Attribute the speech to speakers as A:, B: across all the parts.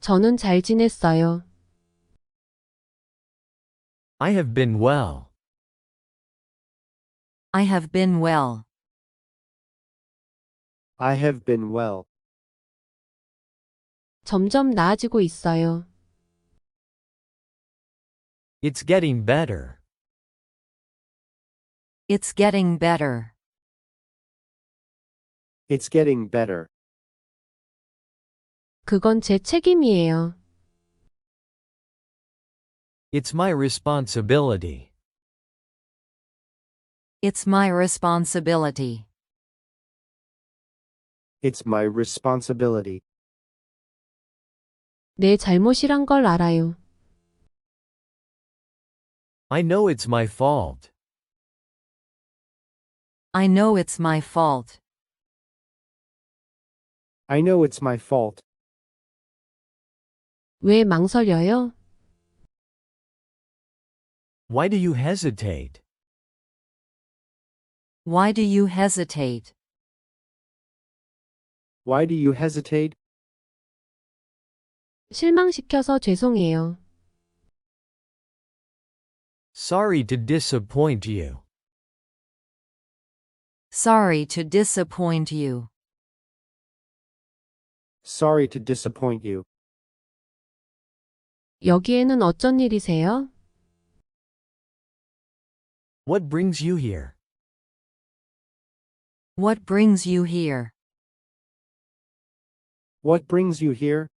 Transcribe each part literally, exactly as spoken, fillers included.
A: 저는 잘 지냈어요.
B: I have been well.
C: I have been well.
D: I have been well.
A: 점점 나아지고 있어요.
B: It's getting better.
C: It's getting better.
D: It's getting better.
A: 그건 제 책임이에요.
B: It's my responsibility.
C: It's my responsibility.
D: It's my responsibility.
A: 내 잘못이란 걸 알아요.
B: I know it's my fault.
C: I know it's my fault.
D: I know it's my fault.
A: 왜 망설여요?
B: Why do you hesitate?
C: Why do you hesitate?
D: Why do you hesitate?
A: 실망시켜서 죄송해요.
B: Sorry to disappoint you.
C: Sorry to disappoint you.
D: Sorry to disappoint you.
A: 여기에는 어쩐 일이세요?
B: What brings you here?
C: What brings you here?
D: What brings you here?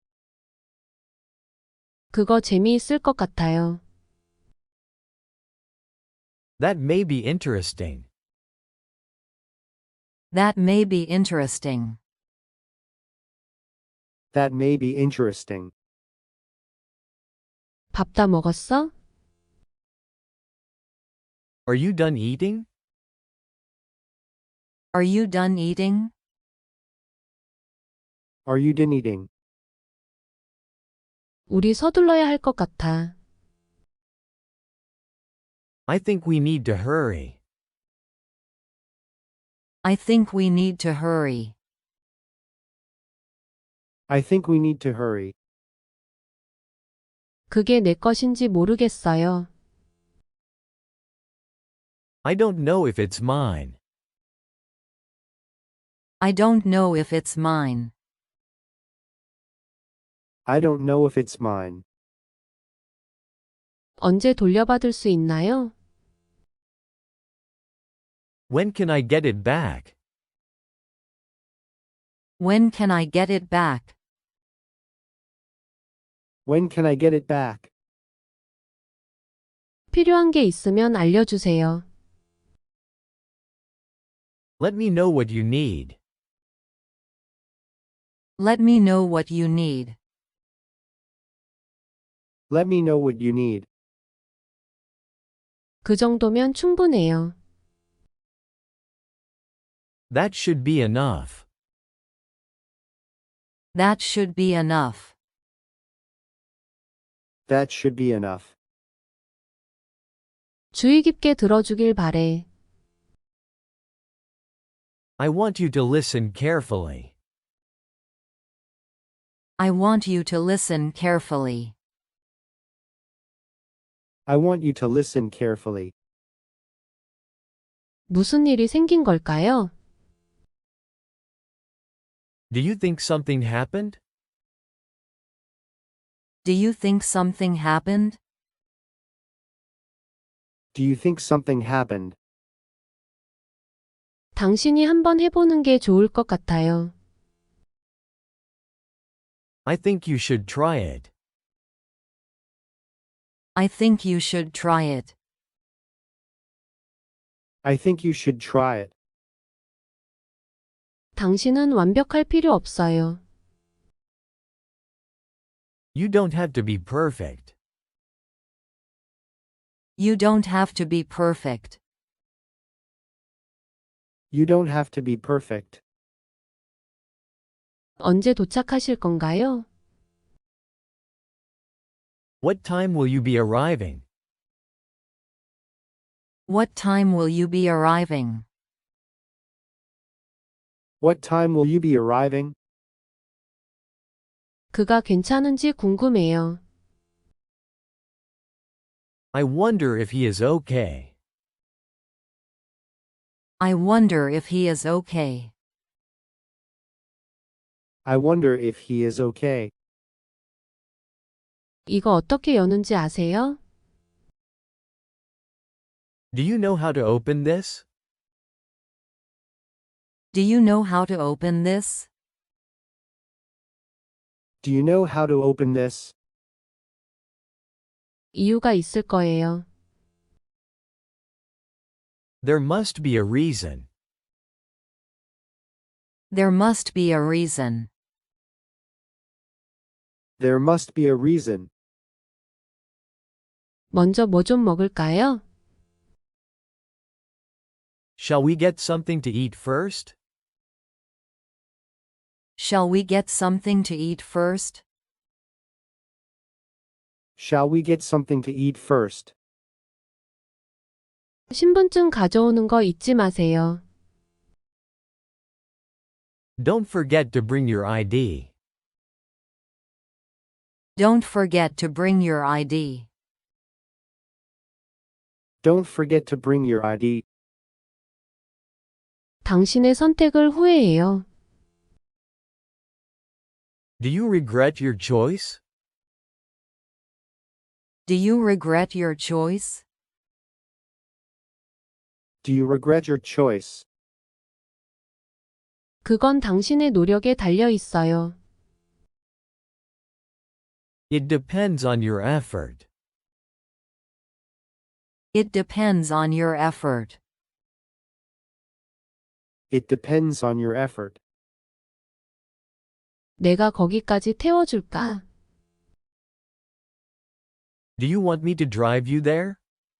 A: 그거 재미있을 것 같아요.
B: That may be interesting.
C: That may be interesting.
D: That may be interesting.
A: 밥 다 먹었어?
B: Are you done eating?
C: Are you done eating?
D: Are you done eating?
A: 우리 서둘러야 할 것 같아.
B: I think we need to hurry.
C: I think we need to hurry.
D: I think we need to hurry.
A: 그게 내 것인지 모르겠어요.
B: I don't know if it's mine.
C: I don't know if it's mine.
D: I don't know if it's mine.
A: 언제 돌려받을 수 있나요?
B: When can I get it back?
C: When can I get it back?
D: When can I get it back?
A: 필요한 게 있으면 알려주세요.
B: Let me know what you need.
C: Let me know what you need.
D: Let me know what you need.
A: 그 정도면 충분해요.
B: That should be enough.
C: That should be enough.
D: That should be enough.
A: 주의 깊게 들어주길 바래.
B: I want you to listen carefully.
C: I want you to listen carefully.
D: I want you to listen carefully.
A: 무슨 일이 생긴 걸까요?
B: Do you think something happened?
C: Do you think something happened?
D: Do you think something happened?
A: 당신이 한번 해보는 게 좋을 것 같아요.
B: I think you should try it.
C: I think you should try it.
D: I think you should try it.
A: 당신은 완벽할 필요 없어요.
B: You don't have to be perfect.
C: You don't have to be perfect.
D: You don't have to be perfect.
A: 언제 도착하실 건가요?
B: What time will you be arriving?
C: What time will you be arriving?
D: What time will you be arriving?
A: 그가 괜찮은지 궁금해요.
B: I wonder if he is okay.
C: I wonder if he is okay.
D: I wonder if he is okay.
A: 이거 어떻게 여는지 아세요?
B: Do you know how to open this?
C: Do you know how to open this?
D: Do you know how to open this?
A: 이유가 있을 거예요.
B: There must be a reason.
C: There must be a reason.
D: There must be a reason.
A: 먼저 뭐 좀 먹을까요?
B: Shall we get something to eat first?
C: Shall we get something to eat first?
D: Shall we get something to eat first?
A: 신분증 가져오는 거 잊지 마세요.
B: Don't forget to bring your I D.
C: Don't forget to bring your I D.
D: Don't forget to bring your I D.
A: 당신의 선택을 후회해요.
B: Do you regret your choice?
C: Do you regret your choice?
D: Do you regret your choice?
A: 그건 당신의 노력에 달려 있어요.
B: It depends on your effort.
C: It depends on your effort.
D: It depends on your effort.
A: 내가 거기까지 태워줄까?
B: Do you want me to drive you there?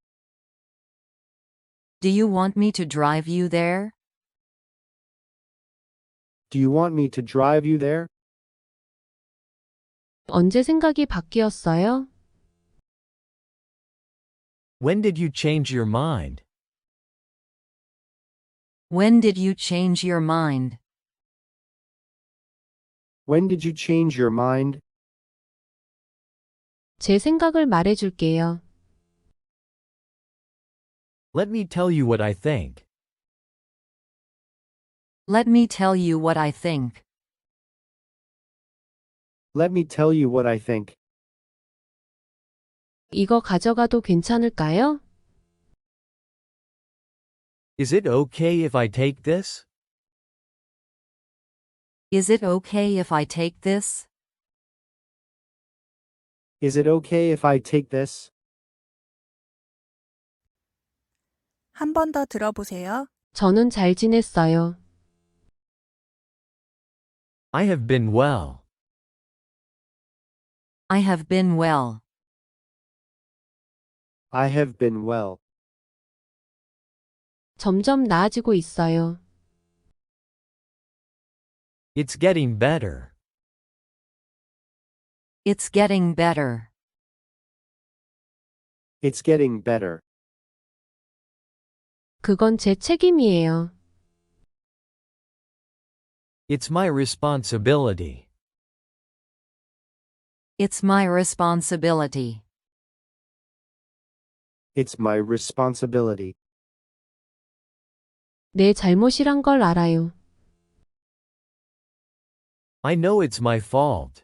C: Do you want me to drive you there?
D: Do you want me to drive you there?
A: 언제 생각이 바뀌었어요?
B: When did you change your mind?
C: When did you change your mind?
D: When did you change your mind?
A: 제 생각을 말해줄게요.
B: Let me tell you what I think.
C: Let me tell you what I think.
D: Let me tell you what I think.
A: 이거 가져가도 괜찮을까요?
B: Is it okay if I take this?
C: Is it okay if I take this?
D: Is it okay if I take this?
E: 한 번 더 들어보세요.
A: 저는 잘 지냈어요.
B: I have been well.
C: I have been well.
D: I have been well.
A: 점점 나아지고 있어요.
B: It's getting better.
C: It's getting better.
D: It's getting better.
A: 그건 제 책임이에요.
B: It's my responsibility.
C: It's my responsibility.
D: It's my responsibility.
A: 내 잘못이란 걸 알아요.
B: I know it's my fault.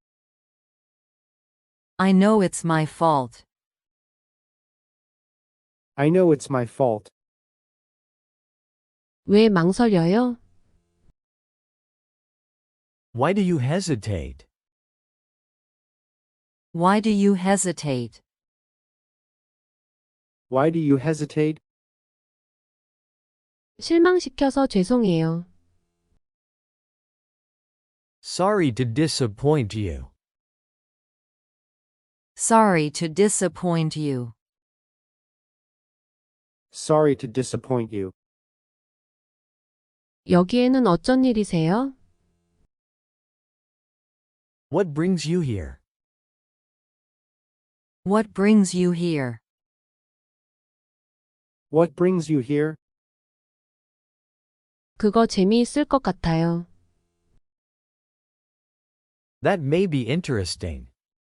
C: I know it's my fault.
D: I know it's my fault.
A: 왜 망설여요?
B: Why do you hesitate?
C: Why do you hesitate?
D: Why do you hesitate?
A: 실망시켜서 죄송해요.
B: Sorry to disappoint you.
C: Sorry to disappoint you.
D: Sorry to disappoint you.
A: 여기에는 어쩐 일이세요?
B: What brings you here?
C: What brings you here?
D: What brings you here?
A: 그거 재미있을 것 같아요.
B: That may be interesting.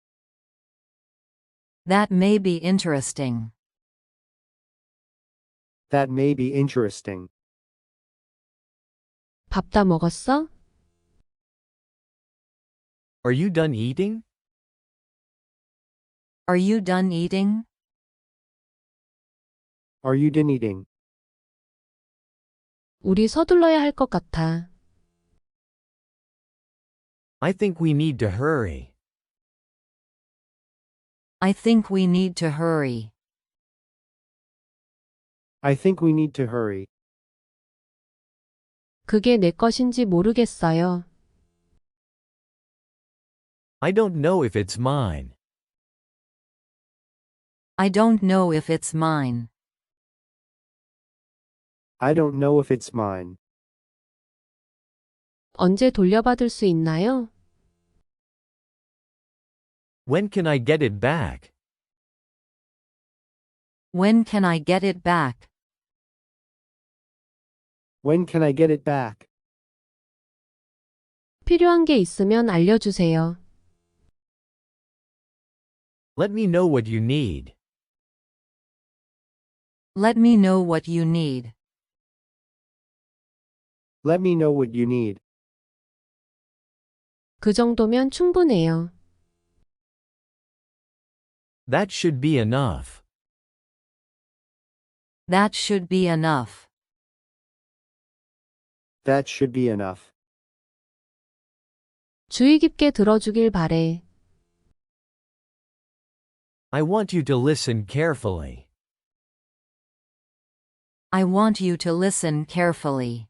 C: That may be interesting.
D: That may be interesting.
A: 밥 다 먹었어?
B: Are you done eating?
C: Are you done eating?
D: Are you done eating?
A: 우리 서둘러야 할 것 같아.
B: I think we need to hurry.
C: I think we need to hurry.
D: I think we need to hurry.
A: 그게 내 것인지 모르겠어요.
B: I don't know if it's mine.
C: I don't know if it's mine.
D: I don't know if it's mine.
A: 언제 돌려받을 수 있나요?
B: When can I get it back?
C: When can I get it back?
D: When can I get it back?
A: 필요한 게 있으면 알려주세요.
B: Let me know what you need.
C: Let me know what you need.
D: Let me know what you need.
A: 그 정도면 충분해요.
B: That should be enough.
C: That should be enough.
D: That should be enough.
A: 주의 깊게 들어주길 바래.
B: I want you to listen carefully.
C: I want you to listen carefully.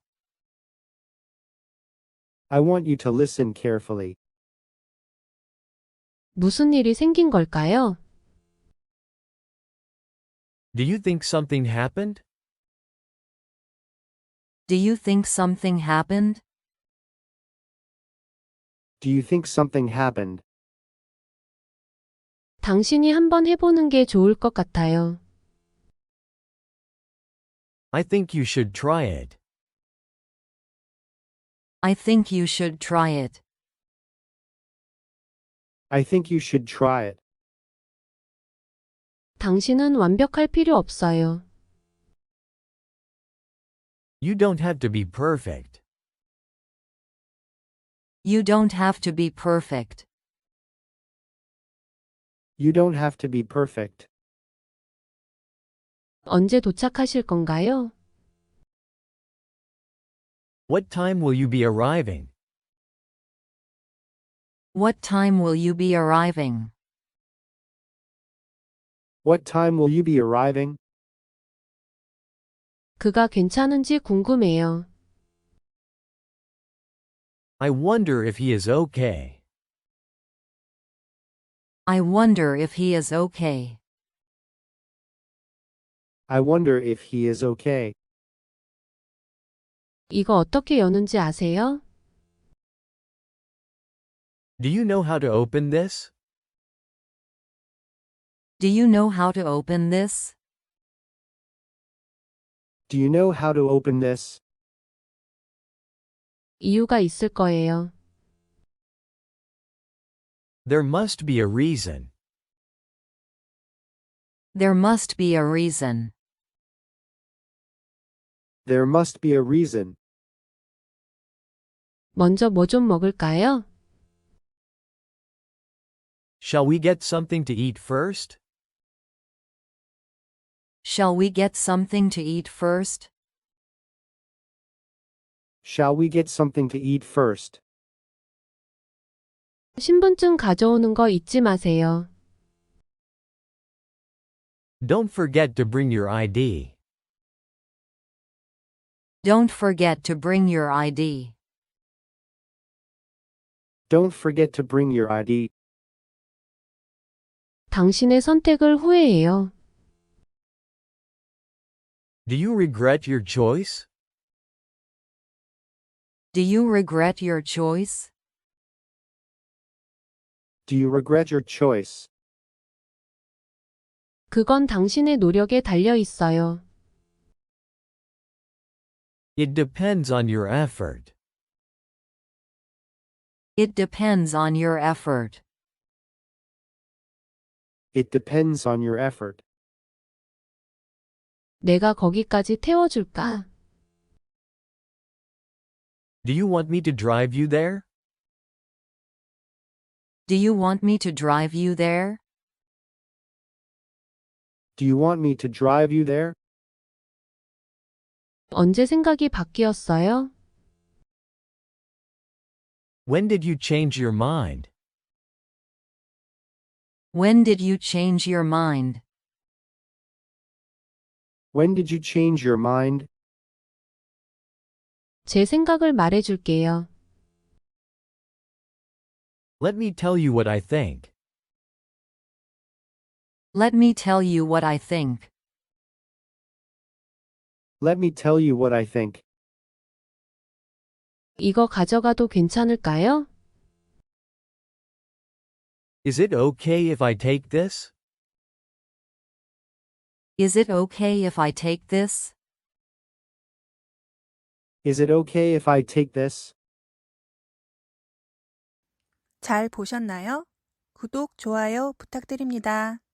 D: I want you to listen carefully.
A: 무슨 일이 생긴 걸까요?
B: Do you think something happened?
C: Do you think something happened?
D: Do you think something happened?
A: 당신이 한번 해보는 게 좋을 것 같아요.
B: I think you should try it.
C: I think you should try it.
D: I think you should try it.
A: 당신은 완벽할 필요 없어요.
B: You don't have to be perfect.
C: You don't have to be perfect.
D: You don't have to be perfect.
A: 언제 도착하실 건가요?
B: What time will you be arriving?
C: What time will you be arriving?
D: What time will you be arriving?
A: 그가 괜찮은지 궁금해요.
B: I wonder if he is okay.
C: I wonder if he is okay.
D: I wonder if he is okay.
A: 이거 어떻게 여는지 아세요?
B: Do you know how to open this?
C: Do you know how to open this?
D: Do you know how to open this?
A: 이유가 있을 거예요.
B: There must be a reason.
C: There must be a reason.
D: There must be a reason.
A: 먼저 뭐 좀 먹을까요?
B: Shall we get something to eat first?
C: Shall we get something to eat first?
D: Shall we get something to eat first?
A: 신분증 가져오는 거 잊지 마세요.
B: Don't forget to bring your I D.
C: Don't forget to bring your I D.
D: Don't forget to bring your I D.
A: 당신의 선택을 후회해요.
B: Do you regret your choice?
C: Do you regret your choice?
D: Do you regret your choice?
A: 그건 당신의 노력에 달려 있어요.
B: It depends on your effort.
C: It depends on your effort.
D: It depends on your effort.
A: 내가 거기까지 태워줄까?
B: Do you want me to drive you there?
C: Do you want me to drive you there?
D: Do you want me to drive you there?
A: 언제 생각이 바뀌었어요?
B: When did you change your mind?
C: When did you change your mind?
D: When did you change your mind?
A: 제 생각을 말해줄게요.
B: Let me tell you what I think.
C: Let me tell you what I think.
D: Let me tell you what I think.
A: 이거 가져가도 괜찮을까요?
B: Is it okay if I take this?
C: Is it okay if I take this?
D: Is it okay if I take this?
E: 잘 보셨나요? 구독, 좋아요 부탁드립니다.